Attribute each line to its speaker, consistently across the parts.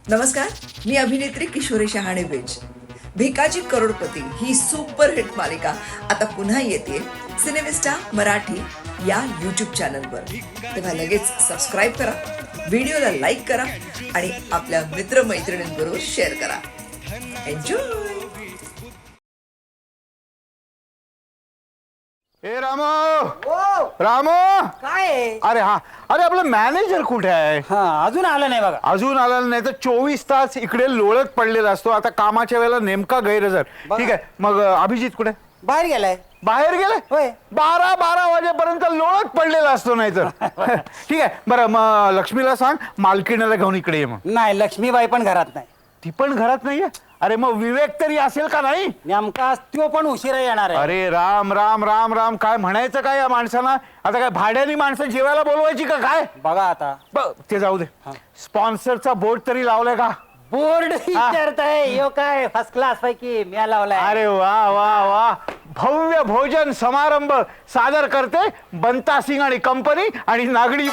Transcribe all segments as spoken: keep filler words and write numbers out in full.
Speaker 1: नमस्कार, मी अभिनेत्री किशोरी शहाणे बेज. भिकाजी करोडपती ही सुपरहिट मालिका आता पुन्हा येते सिनेमिस्टा मराठी या यूट्यूब चॅनलवर. तेव्हा लगेच सबस्क्राईब करा, व्हिडिओला लाईक करा आणि आपल्या मित्रमैत्रिणींबरोबर शेअर करा. एन्जॉय.
Speaker 2: ए रामो, रामो
Speaker 3: काय आहे?
Speaker 2: अरे हा, अरे आपलं मॅनेजर कुठे आहे?
Speaker 3: हा अजून आलं नाही बघा.
Speaker 2: अजून आला नाही तर चोवीस तास इकडे लोळत पडलेला असतो. आता कामाच्या वेळेला नेमका गैरहजर. ठीक आहे, मग अभिजित कुठे?
Speaker 3: बाहेर गेलाय.
Speaker 2: बाहेर गेले?
Speaker 3: होय.
Speaker 2: बारा बारा वाजेपर्यंत लोळत पडलेला असतो. नाही तर ठीक आहे, बरं मग लक्ष्मीला सांग मालकीणाला घेऊन इकडे ये. मग
Speaker 3: नाही, लक्ष्मीबाई पण घरात नाही.
Speaker 2: ती पण घरात नाहीये? अरे मग विवेक तरी असेल का नाही?
Speaker 3: नेमका तो पण उशिरा येणार आहे.
Speaker 2: अरे राम राम राम राम, काय म्हणायचं काय या माणसाला? आता काय भाड्यानी माणसं जेवायला बोलवायची का काय?
Speaker 3: बघा आता.
Speaker 2: ब- ते जाऊ दे. स्पॉन्सरचा बोर्ड तरी लावलाय का?
Speaker 3: बोर्ड विचारताय यो काय फर्स्ट क्लास पैकी मी लावलाय.
Speaker 2: अरे वा वा वा, भव्य भोजन समारंभ सादर करते बंता सिंग आणि कंपनी आणि नागडी.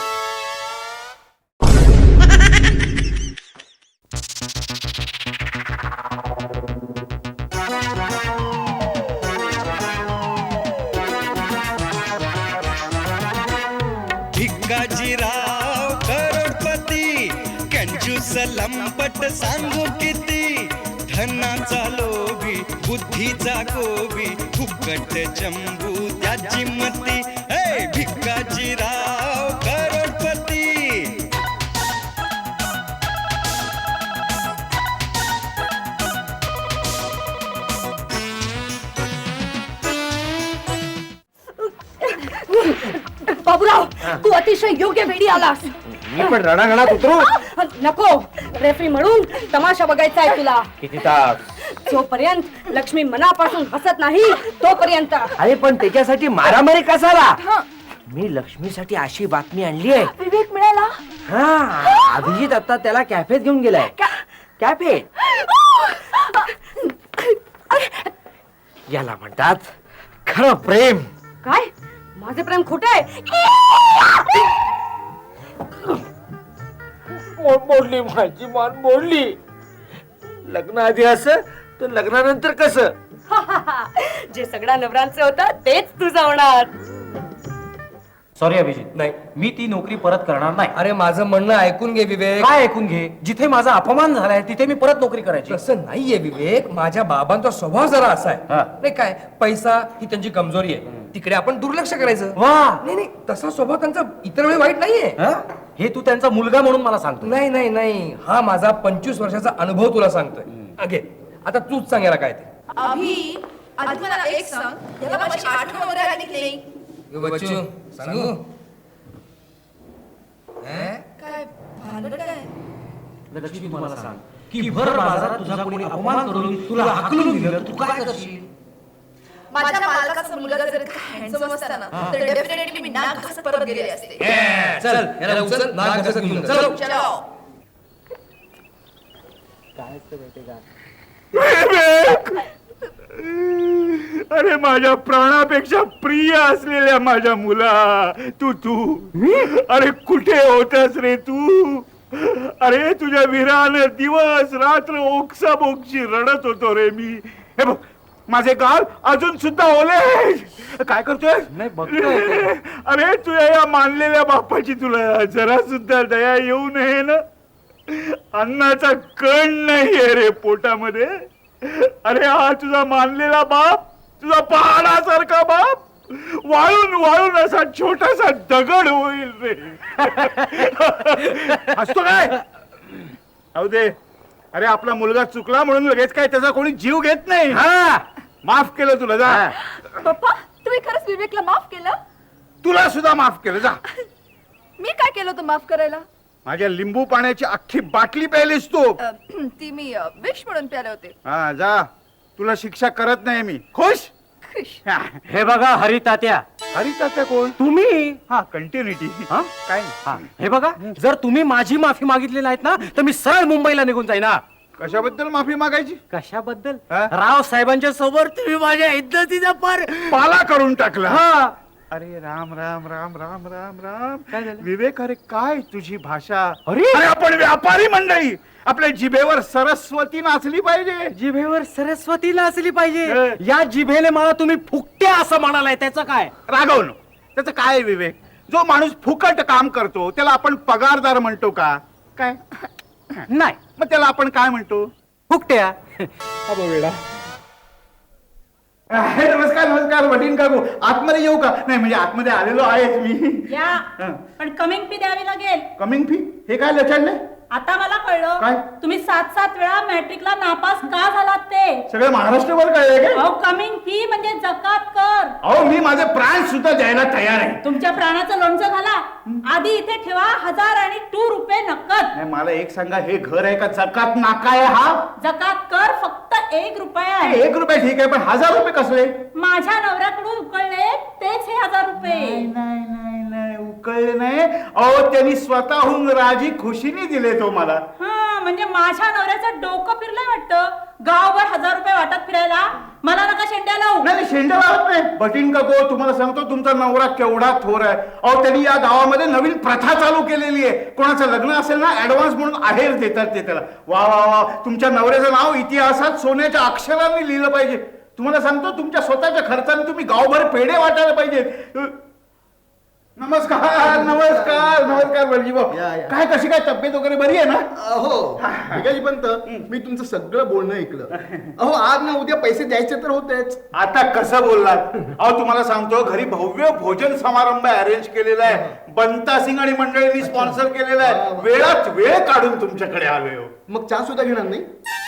Speaker 4: भिकाजीराव करोडपती कंजूस लंपट सांगू किती, धनाचा लोभी बुद्धीचा गोबी फुकट चंबू त्याची मती. हे भिकाजीराव करोडपती.
Speaker 5: बाबूराव, तू अतिशय योग्य वेळी आलास.
Speaker 6: मी पण रणांगणात उतरू?
Speaker 5: नको, रेफरी म्हणून तमाशा बघायचा आहे तुला.
Speaker 6: किती तास?
Speaker 5: जोपर्यंत लक्ष्मी मनापासून हसत नाही तोपर्यंत.
Speaker 6: अरे पण त्याच्यासाठी मारामारी कसाला? मी लक्ष्मीसाठी अशी बातमी आणली आहे.
Speaker 5: विवेक मिळाला.
Speaker 6: हा, अभिजित आता त्याला कॅफेत घेऊन गेलाय. कॅफे याला म्हणतात खरं प्रेम.
Speaker 5: काय? माझे प्रेम खोटे आहे?
Speaker 6: मोडली माझी मान, मोडली. लग्न आधी असं तर लग्नानंतर कसं?
Speaker 5: जे सगळ्या नवरांचं होतं तेच तुझं होणार.
Speaker 7: सॉरी अभिजित,
Speaker 3: नाही,
Speaker 7: मी ती नोकरी परत करणार नाही.
Speaker 3: अरे माझं म्हणणं ऐकून घे विवेक.
Speaker 7: काय ऐकून घे? जिथे माझा अपमान झालाय तिथे मी परत नोकरी करायची.
Speaker 3: तसं नाहीये विवेक, माझ्या बाबांचा स्वभाव जरा असा आहे.
Speaker 7: हा.
Speaker 3: नाही काय, पैसा ही त्यांची कमजोरी आहे, तिकडे आपण दुर्लक्ष करायचं.
Speaker 7: वा,
Speaker 3: नाही नाही, तसा स्वभाव त्यांचा इतर वेळी वाईट नाहीये.
Speaker 7: हा? हे तू त्यांचा मुलगा म्हणून मला सांगतो.
Speaker 3: नाही नाही नाही, हा माझा पंचवीस वर्षाचा अनुभव तुला सांगतोय. अगे आता तूच सांगायला काय ते.
Speaker 8: अभि, आधी मला एक सांग, याला माझी आठवण वगैरे आली की नाही?
Speaker 3: बच्चू सांगू
Speaker 8: काय भानगड काय?
Speaker 7: लक्ष्मी मला सांग की भर बाजारात तुझा कोणी अपमान करून तुला हाकलून दिलं, तू काय करशील?
Speaker 8: माझ्या मालकाचा मुलगा जर हँडसम असता ना, तर डेफिनेटली मी नाक घासत परत गेले असते.
Speaker 3: चल याला उचल, नाक घासत घेऊन जा. चल.
Speaker 8: चलो.
Speaker 2: अरे माझ्या प्राणापेक्षा प्रिय असलेल्या माझ्या मुला, तू तू अरे कुठे होतास रे तू? अरे तुझ्या विरानं दिवस रात्र ओक्सा बोक्षी रडत होतो रे मी. हे बघ, माझे गाल अजून सुद्धा ओले. काय करतोय?
Speaker 7: नाही, बघतोय.
Speaker 2: अरे तुझ्या या मानलेल्या बापाची तुला जरा सुद्धा दया येऊ नये ना? अन्नाचा कण नाहीये रे पोटामध्ये. अरे हा तुझा मानलेला बाप, तुझा पहाडासारखा बाप वाळून वाळून असा छोटासा दगड होईल रे. असतो काय? अहो दे. अरे आपला मुलगा चुकला म्हणून लगेच काय त्याचा कोणी जीव घेत नाही. हा, माफ केलं तुला, जा.
Speaker 8: पप्पा, तुम्ही खरंच विवेकला माफ केलं?
Speaker 2: तुला सुद्धा माफ केलं, जा.
Speaker 8: मी काय केलं होतं माफ करायला?
Speaker 2: माझ्या लिंबू पाण्याची अख्खी बाटली प्यायलीस तू.
Speaker 8: अ, ती मी विश म्हणून प्याले होते.
Speaker 2: हा, जा. तुला शिक्षा करत नाही मी. खुश?
Speaker 8: खुश.
Speaker 7: हे बघा हरितात्या,
Speaker 2: हरितात्या कोण?
Speaker 7: तुम्ही.
Speaker 2: हा, कंटिन्युटी.
Speaker 7: हा?
Speaker 2: काय
Speaker 7: हा, हे बघा, जर तुम्ही माझी माफी मागितली नाहीत ना तर मी सरळ मुंबईला निघून जाईन. ना
Speaker 2: कशाबद्दल माफी मागायची?
Speaker 7: कशाबद्दल?
Speaker 2: हा?
Speaker 7: राव साहेबांच्या समोर तुम्ही माझ्या इज्जतीचा पार
Speaker 2: पाला करून टाकला.
Speaker 7: हा.
Speaker 2: अरे राम राम राम राम राम राम.
Speaker 7: काय झालं?
Speaker 2: विवेक, अरे काय तुझी भाषा?
Speaker 7: अरे!
Speaker 2: अरे आपण व्यापारी मंडळी, आपल्या जिभेवर सरस्वती नाचली पाहिजे.
Speaker 7: जिभेवर सरस्वती नाचली
Speaker 2: हं.
Speaker 7: पाहिजे. या जिभेने मला तुम्ही फुकट्या असं म्हणालाय, त्याचं काय?
Speaker 2: रागवणं त्याचं काय विवेक? जो माणूस फुकट काम करतो त्याला आपण पगारदार म्हणतो का? काय
Speaker 7: नाही,
Speaker 2: मग त्याला आपण काय म्हणतो?
Speaker 7: फुकट्या.
Speaker 2: अबो वेडा. आहे, नमस्कार नमस्कार वडील काकू, आतमध्ये येऊ का? नाही म्हणजे आतमध्ये आलेलो आहेच मी.
Speaker 5: या
Speaker 2: हं.
Speaker 5: पण कमिंग फी द्यावी लागेल.
Speaker 2: कमिंग फी हे काय लचाडले?
Speaker 5: आता मला कळलं
Speaker 2: काय?
Speaker 5: तुम्ही सात सात वेळा मॅट्रिकला नापास का झालात ते.
Speaker 2: सगळं महाराष्ट्रभर कळलंय काय?
Speaker 5: अहो कमिंग फी म्हणजे जकात कर.
Speaker 2: अहो मी माझे प्राण सुद्धा द्यायला तयार आहे.
Speaker 5: तुमच्या प्राणाचं लोणचं घाला. आधी इथे ठेवा हजार आणि टू रुपये नकद.
Speaker 2: नाही मला एक सांगा, हे घर आहे का जकात नाका आहे हा?
Speaker 5: जकात कर फक्त एक रुपया
Speaker 2: हे
Speaker 5: आहे.
Speaker 2: एक रुपये ठीक आहे, पण हजार रुपये कसले?
Speaker 5: माझ्या नवऱ्याकडून उकळले तेच हे हजार रुपये.
Speaker 2: नाही नाही नाही उकळले नाही. अहो त्यांनी स्वतःहून राजी खुशीने दिले तो मला.
Speaker 5: हा म्हणजे माझ्या नवऱ्याचं डोकं फिरलंय वाटतं. गावभर हजार रुपये वाटत फिरायला. मला नका शेंड्या लावू.
Speaker 2: नाही शेंडा लावत नाही. बटीन का गो, तुम्हाला सांगतो तुमचा नवरा केवढा थोर आहे. अहो त्यांनी या गावामध्ये नवीन प्रथा चालू केलेली आहे. कोणाचं लग्न असेल ना, ऍडव्हान्स म्हणून आहेर देतात ते त्याला. वा वा वा, तुमच्या नवऱ्याचं नाव इतिहासात सोन्याच्या अक्षरांनी लिहिलं पाहिजे. तुम्हाला सांगतो तुमच्या स्वतःच्या खर्चाने तुम्ही गावभर पेढे वाटायला पाहिजे. नमस्कार नमस्कार नमस्कार बलजी भाऊ.
Speaker 9: या, या.
Speaker 2: काय कशी काय तब्येत वगैरे बरी आहे ना?
Speaker 9: अहो भिकाजी पंत, मी तुमचं सगळं बोलणं ऐकलं. अहो आज ना उद्या पैसे द्यायचे तर होतेच.
Speaker 2: आता कसं बोललात? अहो तुम्हाला सांगतो घरी भव्य भोजन समारंभ अरेंज केलेला आहे. बंता सिंग आणि मंडळींनी स्पॉन्सर केलेला आहे. वेळात वेळ काढून तुमच्याकडे आलोय हो.
Speaker 9: मग चहा सुद्धा घेणार नाही?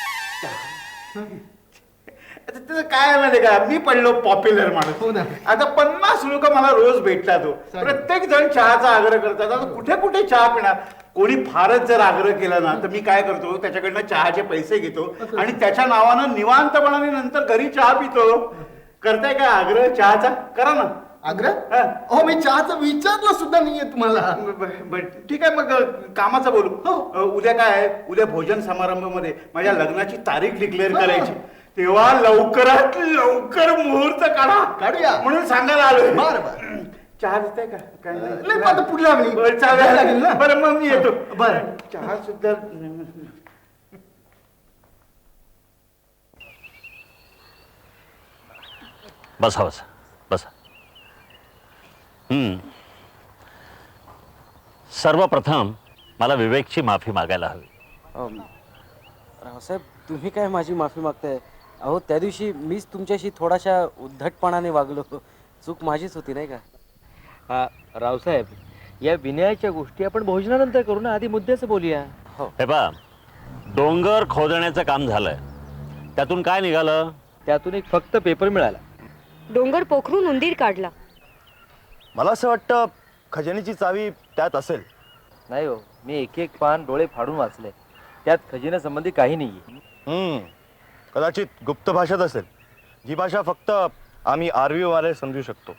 Speaker 2: आता त्याचं काय आहे माहिती का, मी पडलो पॉप्युलर
Speaker 9: हो
Speaker 2: माणूस.
Speaker 9: ना.
Speaker 2: आता पन्नास लोक मला रोज भेटतात हो.
Speaker 9: चालेल.
Speaker 2: प्रत्येक जण चहाचा आग्रह करतात. आता कुठे कुठे चहा पिणार? कोणी फारच जर आग्रह केला ना तर मी काय करतो, त्याच्याकडनं चहाचे पैसे घेतो आणि त्याच्या नावानं निवांतपणाने नंतर घरी चहा पितो. करताय काय आग्रह चहाचा? करा ना.
Speaker 9: आग्रह?
Speaker 2: हा.
Speaker 9: अहो मी चहाचं विचारलं सुद्धा नाहीये तुम्हाला.
Speaker 2: ब- ब- ठीक आहे मग कामाचं बोलू. अ, उद्या काय आहे, उद्या भोजन समारंभामध्ये माझ्या लग्नाची तारीख डिक्लेअर करायची. तेव्हा लवकरात लवकर मुहूर्त काढा.
Speaker 9: काढूया.
Speaker 2: म्हणून सांगायला आलोय.
Speaker 9: बरं बरं.
Speaker 2: चहा देताय का? काय
Speaker 9: नाही पण आता पुढल्या वेळी
Speaker 2: बरं,
Speaker 9: द्यायला
Speaker 2: चालेल
Speaker 9: लागेल ना.
Speaker 2: बरं मग मी येतो.
Speaker 9: बरं.
Speaker 2: चहा सुद्धा
Speaker 10: बसा बसा बसा. हम्म. सर्वप्रथम मला विवेकची माफी मागायला हवी.
Speaker 11: रावसाहेब, तुम्ही काय माझी माफी मागताय? अहो त्या दिवशी मीच तुमच्याशी थोडाशा उद्धटपणाने वागलो. चूक माझीच होती नाही का?
Speaker 6: हा रावसाहेब, या विनयाच्या गोष्टी आपण भोजनानंतर करू ना, आधी मुद्द्याचं बोलूया.
Speaker 11: हो.
Speaker 10: हे पहा, डोंगर खोदण्याचं काम झालंय. त्यातून काय निघालं?
Speaker 6: त्यातून एक फक्त पेपर मिळाला.
Speaker 5: डोंगर पोखरून उंदीर काढला.
Speaker 9: मला असं वाटतं खजिन्याची चावी त्यात असेल.
Speaker 11: नाही हो, मी एक एक पान डोळे फाडून वाचले. त्यात खजिन्यासंबंधी काही नाहीये.
Speaker 9: हम्म कदाचित गुप्त भाषेत असेल, जी भाषा फक्त आम्ही आरवी वाले समजू शकतो.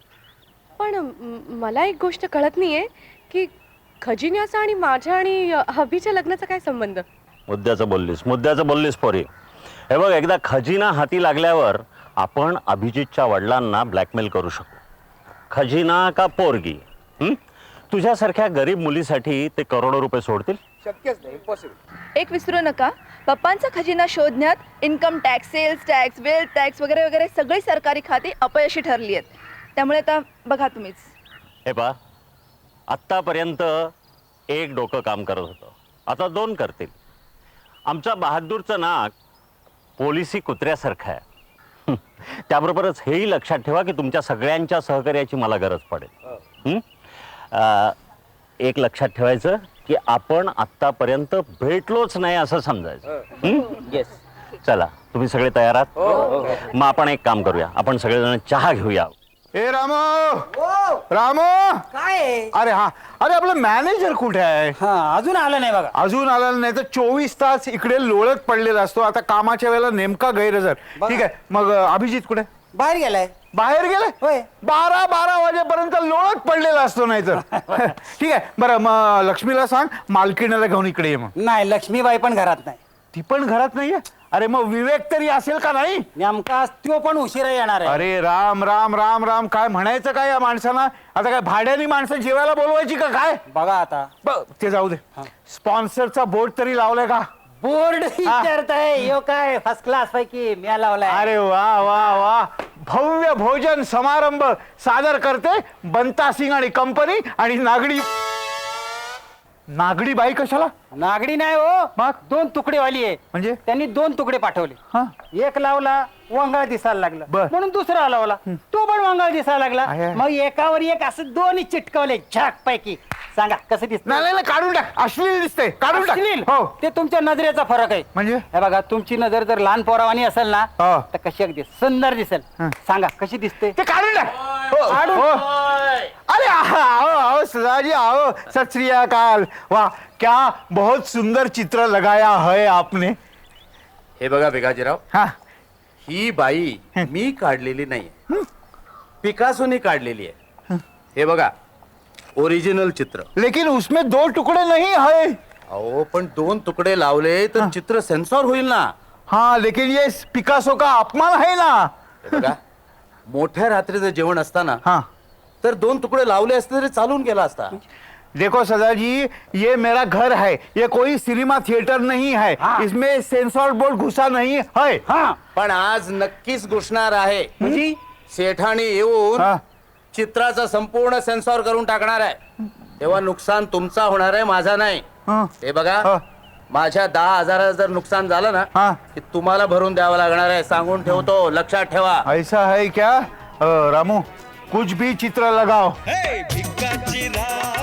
Speaker 12: पण म- मला एक गोष्ट कळत नाहीये की खजिन्याचा आणि माझ्या आणि हबीच्या लग्नाचा काय संबंध?
Speaker 10: मुद्द्याचं बोललीस मुद्द्याचं बोललीस पोरी. हे बघ, एकदा खजिना हाती लागल्यावर आपण अभिजितच्या वडिलांना ब्लॅकमेल करू शकू. खजिना का पोरगी? हं? तुझ्यासारख्या गरीब मुलीसाठी ते करोडो रुपये सोडतील?
Speaker 3: शक्यच नाही, इम्पॉसिबल.
Speaker 8: एक विसरू नका, पप्पांचा खजिना शोधण्यात income tax, sales tax, wealth tax वगैरे वगैरे सगळी सरकारी खाती अपयशी ठरली आहेत. त्यामुळे आता बघा तुम्हीच.
Speaker 10: हे पहा, आत्तापर्यंत एक डोकं काम करत होतं, आता दोन करतील. आमच्या बहादूरचं नाक पोलिसी कुत्र्यासारखं आहे. त्याबरोबरच हेही लक्षात ठेवा की तुमच्या सगळ्यांच्या सहकार्याची मला गरज पडेल. हं? अं, एक लक्षात ठेवायचं की आपण आत्तापर्यंत भेटलोच नाही असं समजायचं. हं?
Speaker 11: येस.
Speaker 10: चला, तुम्ही सगळे तयार आहात? मग आपण एक काम करूया, आपण सगळेजण चहा घेऊया.
Speaker 2: ए रामो रामो
Speaker 7: काय?
Speaker 2: अरे हा अरे आपला मॅनेजर कुठे आहे?
Speaker 7: हा अजून आलं नाही बघा.
Speaker 2: अजून आला नाही तर चोवीस तास इकडे लोळत पडलेला असतो. आता कामाच्या वेळेला नेमका गैरहजर. ठीक आहे, मग अ, अभिजित कुठे?
Speaker 7: बाहेर गेलाय.
Speaker 2: बाहेर गेलाय?
Speaker 7: होय.
Speaker 2: बारा बारा वाजेपर्यंत लोळत पडलेला असतो नाही तर. ठीक आहे, बरं मग लक्ष्मीला सांग मालकीणाला घेऊन इकडे ये. मग
Speaker 7: नाही, लक्ष्मीबाई पण घरात नाही.
Speaker 2: ती पण घरात नाहीये? अरे मग विवेक तरी असेल का नाही?
Speaker 6: नेमका तो पण उशिरा येणार आहे.
Speaker 2: अरे राम राम राम राम, काय म्हणायचं काय या माणसाला? आता काय भाड्यानी माणसं जेवायला बोलवायची का काय?
Speaker 6: बघा आता
Speaker 2: ब- ते जाऊ दे. स्पॉन्सरचा बोर्ड तरी लावलाय का?
Speaker 6: बोर्ड विचारताय यो काय फर्स्ट क्लास पैकी मी लावलाय.
Speaker 2: अरे वा वा वा, भव्य भोजन समारंभ सादर करते बंता सिंग आणि कंपनी. आणि नागडी नागडी बाई कशाला?
Speaker 6: नागडी नाही हो,
Speaker 2: मग?
Speaker 6: दोन तुकडेवाली आहे.
Speaker 2: म्हणजे?
Speaker 6: त्यांनी दोन तुकडे पाठवले.
Speaker 2: हा.
Speaker 6: एक लावला वंगाळ दिसायला लागला,
Speaker 2: बर.
Speaker 6: म्हणून दुसरा लावला, तो पण वंगाळ दिसायला
Speaker 2: आहे.
Speaker 6: लागला. मग एकावर एक असं दोन्ही चिटकवले झाक पैकी. सांगा कसं दिसत?
Speaker 2: नाही नाही नाही, काढून टाक, अश्लील दिसते, काढून टाक. हो.
Speaker 6: ते तुमच्या नजरेचा फरक आहे.
Speaker 2: म्हणजे?
Speaker 6: हे बघा, तुमची नजर जर लहान पोरावानी असेल ना
Speaker 2: हा.
Speaker 6: तर कशी अगदी सुंदर दिसेल. सांगा कशी दिसते?
Speaker 2: ते काढून टाक. हो,
Speaker 6: काढून?
Speaker 2: हो. अरे आओ आओ सदाजी आओ, सत श्री अकाल. वाह, क्या बहुत सुंदर चित्र लगाया है आपने.
Speaker 13: हे बघा भिकाजीराव,
Speaker 2: हा.
Speaker 13: ही बाई मी काढलेली नाहीये, पिकासोनी काढलेली आहे. हे बघा, ओरिजिनल चित्र.
Speaker 2: लेकिन उसमें दो टुकड़े नहीं है.
Speaker 13: अहो पण दोन तुकडे लावले तर चित्र सेन्सॉर होईल ना.
Speaker 2: हाँ, लेकिन ये पिकासो का अपमान है ना.
Speaker 13: हे बघा, मोठ्या रात्रीचं जेवण असताना
Speaker 2: हाँ.
Speaker 13: तर दोन तुकडे लावले असते तरी चालून गेला असता.
Speaker 2: देखो सदाजी, ये मेरा घर है, ये कोई सिनेमा थिएटर नहीं है.
Speaker 6: हाँ.
Speaker 2: इसमें सेंसर बोर्ड घुसा नहीं है.
Speaker 6: हा
Speaker 13: पण आज नक्कीच घुसणार आहे. म्हणजे सेठानी येऊन
Speaker 2: हा.
Speaker 13: चित्राचा संपूर्ण सेन्सॉर करून टाकणार आहे. तेव्हा नुकसान तुमचा होणार आहे, माझा नाही.
Speaker 2: हाँ.
Speaker 13: हे बघा,
Speaker 2: हा.
Speaker 13: माझ्या दहा हजाराचं जर नुकसान झालं ना
Speaker 2: हा.
Speaker 13: की तुम्हाला भरून द्यावं लागणार आहे. सांगून ठेवतो, लक्षात ठेवा.
Speaker 2: ऐसा है क्या? अ, रामू, कुछ भी चित्र लगाओ.
Speaker 4: हे भिकाजीराव